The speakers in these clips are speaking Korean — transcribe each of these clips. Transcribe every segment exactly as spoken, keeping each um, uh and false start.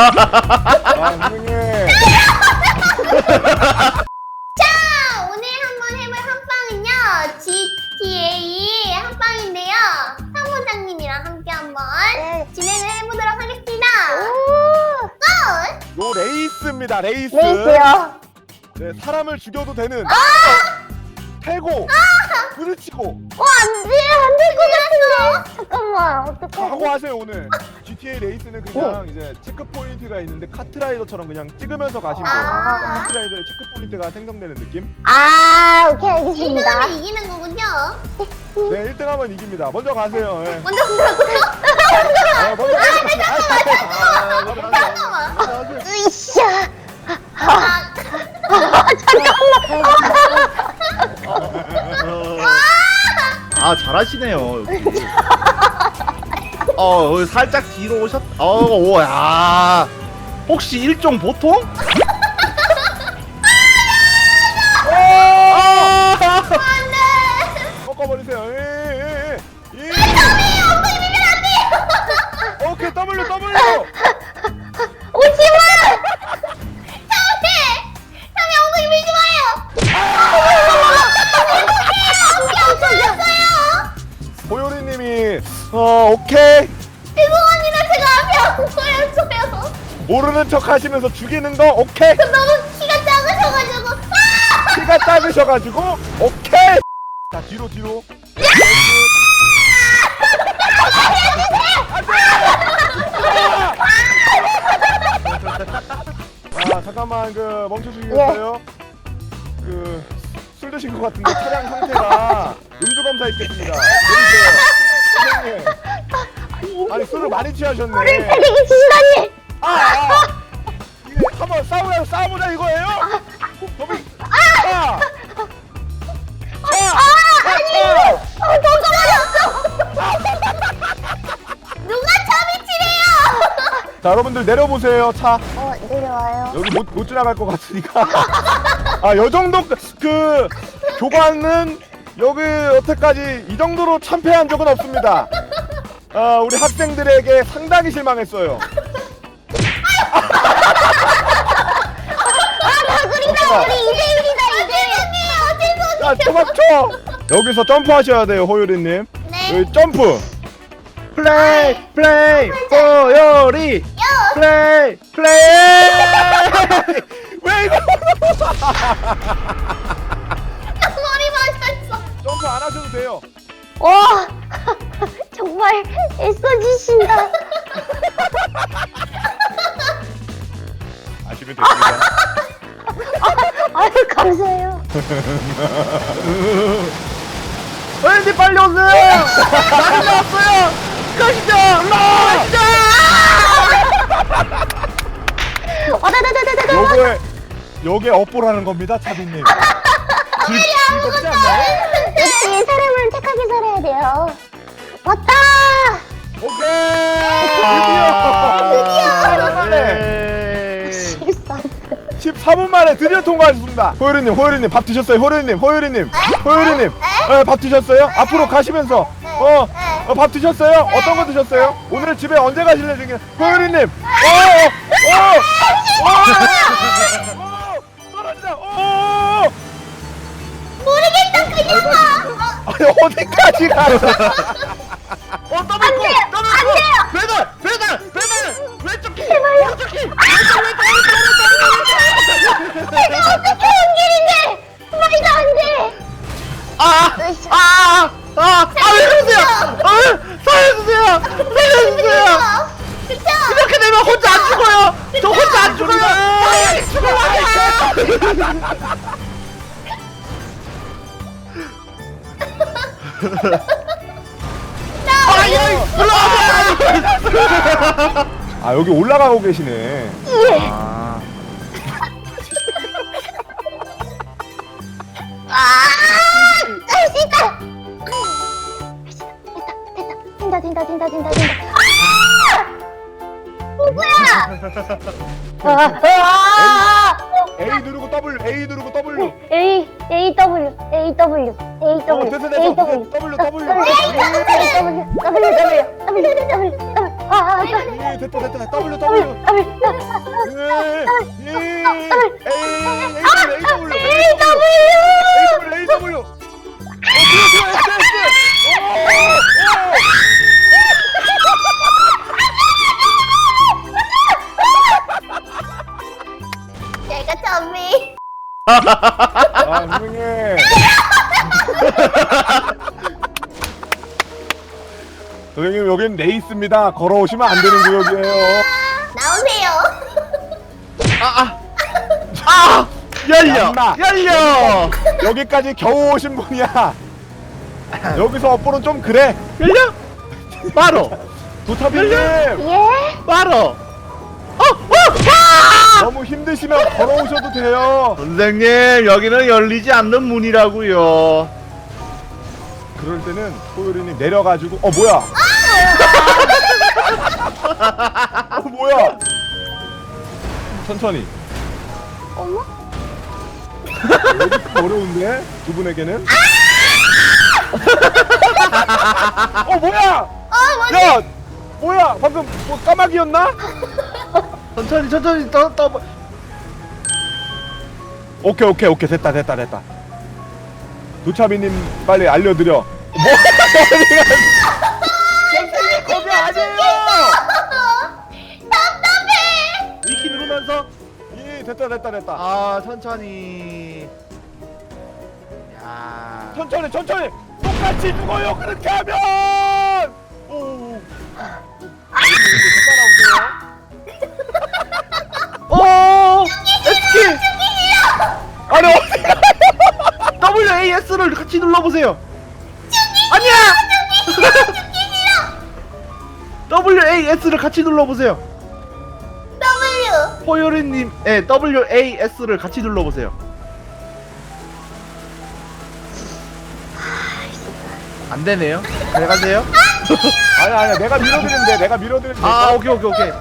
선생님. 자, 오늘 한번 해볼 한방은요 지티에이 한방인데요 사무장님이랑 함께 한번 네. 진행을 해보도록 하겠습니다. 고! 요 레이스입니다. 레이스. 레이스요. 네, 사람을 죽여도 되는. 패고. 부딪히고. 어, 안 돼, 안 될 것 같은데. 잠깐만, 어떡하지? 하고 하세요 오늘. 지티에이 레이스는 그냥 이제 체크 포인트가 있는데 카트라이더처럼 그냥 찍으면서 가시면 돼요. 아. 그러니까 카트라이더의 체크 포인트가 생성되는 느낌. 아, 오케이, 알겠습니다. 일 등은 이기는 거군요. 네, 일 등 하면 이깁니다. 먼저 가세요. 네. 먼저 들어가요? 아, 먼저 가세요. 아, 먼저 가세요. 잠깐만. 먼저 가세요. 으이샤. 아, 아 잘하시네요 여기. 어 여기 살짝 뒤로 오셨. 어오야 혹시 일종 보통? 꺾어버리세요. 예, 예, 예. 예. 엉덩이 밀면 안 돼요. 오케이, W, W. 오지마! 다음에 다음에 엉덩이 밀지 마요. 엉덩이였어요. 보요리님이 어 오케이 죄송합니다. 제가 앞에 엉덩이였어요. 모르는 척 하시면서 죽이는 거 오케이. 너무 키가 작으셔가지고. 아! 키가 작으셔가지고 오케이. 자 뒤로 뒤로. 아 잠깐만 그 멈춰주시겠어요? 그 술 드신 것 같은데 차량 상태가 음주 검사 있겠습니다. 내리세요. 선생님. 아니 술을 많이 취하셨네. 때리기 치시다니! 아, 아. 이게 한번 싸우자 싸우자 이거예요? 더비. 아. 아. 아니! 어, 잠깐만요! 누가 차비치래요? 자 여러분들 내려보세요 차. 어, 내려와요. 여기 못, 못 지나갈 것 같으니까. 아, 요 정도 그 교관은 여기 여태까지 이 정도로 참패한 적은 없습니다. 아, 우리 학생들에게 상당히 실망했어요. 아, 다구리다! 우리 이대일이다, 이대일! 죄송해요. 자, 도망쳐. 여기서 점프하셔야 돼요, 호유리님. 네. 여기 점프. 플레이 플레이 보요리 플레이 플레이. 왜 이거? 머리 맞았어. 점프 안 하셔도 돼요. 와, 정말 애써주신다. 아시면 됩니다. 아유, 감사해요. 왠지 빨리 오세요. 많이 나왔어요. 가시죠. 가시죠. 어다다다다다. 요거에 요게 업보라는 겁니다, 차비님. 즐, 즐겁지 않나요? 역시 사람은 착하게 살아야 돼요. 왔다! 오케이. 드디어. 네. 실수. 십사 분 만에 드디어 통과하셨습니다. 호유리님, 호유리님 밥 드셨어요? 호유리님, 호유리님, 호유리님, 네, 밥 드셨어요? 앞으로 가시면서 어, 어, 밥 드셨어요? 어떤 거 드셨어요? 오늘 집에 언제 가실래 중에 호유리님, 어, 어, 어, 어, 떨어진다, 어, 모르겠다 그냥 봐. 아니 어디까지 가요? 어 더블 고 더블 고 배달 배달 배달 왼쪽 키 오른쪽 키 왼쪽 왼쪽 왼쪽 내가 어떻게 온 길인데! 말도 안 돼! 아아아아왜 그러세요? 아 살려주세요 살려주세요. 그쵸? 이렇게 되면 혼자 안 죽어요. 저 혼자 안 죽어요. 죽어요. 아 여기 올라가고 계시네. 아. 할 수 있다! 됐다, 됐다, 된다, 된다, 된다, 된다. 아! 아! A 누르고 W, A 누르고 W. A, A, W, A, W, A, 어, W, 됐어, 됐어. A, W, W, W. W, W, W, W, W, W, W, W. 아, 아, 예, 됐다 됐다 W W 예, 예, A A W A W A W 어 뒤에 뒤에 S S 내가 좀비. 아 선생님 선생님 여긴 레이스입니다. 걸어오시면 안 되는 구역이에요. 나오세요. 아아 아! 열려! 얌마. 열려! 여기까지 겨우 오신 분이야. 여기서 업보는 좀 그래. 열려! 바로! 도타비님 예? 바로! 어! 어! 아! 너무 힘드시면 걸어오셔도 돼요. 선생님 여기는 열리지 않는 문이라고요. 그럴 때는 호요리님 내려가지고 어 뭐야? 어 뭐야? 천천히. 어머? 여기 좀 어려운데 두 분에게는? 어 뭐야? 어 뭐지? 야 뭐야? 방금 뭐 까마귀였나? 천천히 천천히 떠 떠. 오케이 오케이 오케이 됐다 됐다 됐다. 도차비님 빨리 알려드려. 뭐? 선생님 거기 아니에요. 답답해. 이키 누르면서 예 됐다 됐다 됐다. 아 천천히. 야. 천천히 천천히 똑같이 죽어요 그렇게 하면. 오. 따라오세요. 오! 에스키! 아니 어디가? 더블유 에이 에스를 같이 눌러보세요. 아니야! 더블유 에이 에스를 같이 눌러보세요. W. 호요리님, 예, 더블유 에이 에스를 같이 눌러보세요. 안 되네요. 잘 가세요. 아니 아니 내가 밀어드리는데 내가 밀어드리는데. 아, 오케이, 오케이, 오케이.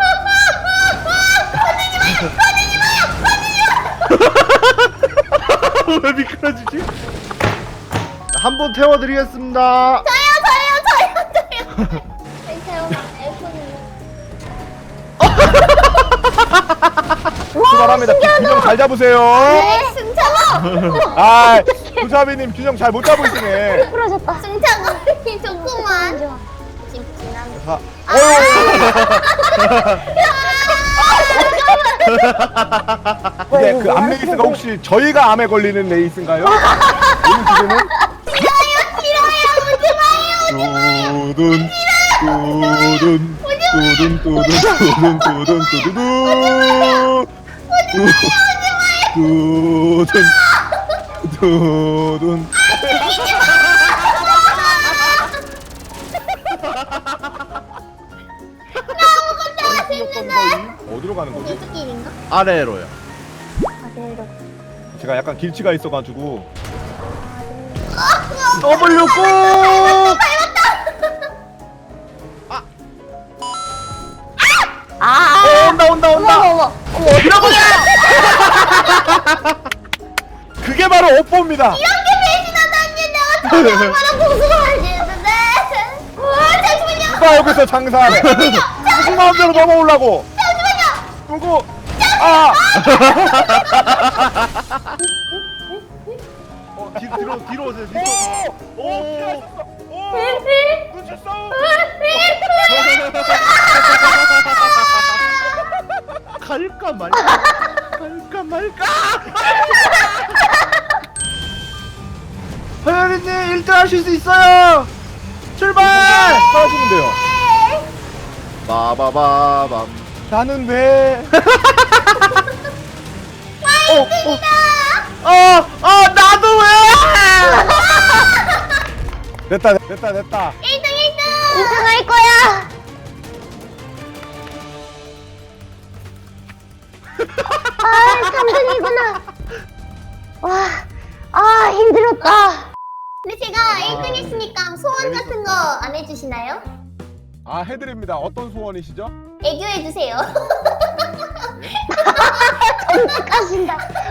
왜 미끄러지지? 한 분 태워드리겠습니다. 저요 저요 저요 저요. 괜찮아요. 에어컨은. 출발합니다. 균형 잘 잡으세요. 네, 승차가. 아 도차비님 균형 잘 못 잡으시네. 부러졌다. 승차가 좋구만. 찜찜한. 자, 아. 근데 그 암 레이스가 혹시 저희가 암에 걸리는 레이스인가요? 오늘 주제는? 싫어요 싫어요 오지 마요. 두둔 두둔 두둔 두둔 두둔 두둔 두두둔 두둔 두둔 어디로 가는 거지? 이쪽길인가? 아래로요. 아래로. 제가 약간 길치가 있어가지고 더블유 꼭! 아! 어, 온다, 온다, 온다! 어머 어머. 어머 밀어버려! 그게 바로 업보입니다. 이렇게 배신하다니 내가 다시 얼마나 고소해야 되는데. 와 잠시만요. 누가 여기서 장사하네. 누구 마음대로 넘어오려고. 잠시만요. 누구? 아! 어, 뒤, 뒤로, 뒤로 오세요, 뒤로. 오! 오! 피하셨어. 오! 눈치 싸움. 갈까 말까? 갈까 말까? 허연이님 일 등 하실 수 있어요! 출발! 하시면 돼요. 빠바바밤. 나는 왜? 어, 어, 어, 어, 나도 왜? 됐다 됐다 됐다. 일 등 일 등. 일 등 할 거야. 아, 삼 등이구나. 와. 아, 힘들었다. 근데 제가 일 등 했으니까 소원 같은 거 안 해주시나요? 아 해드립니다. 어떤 소원이시죠? 애교해주세요. 전까신다.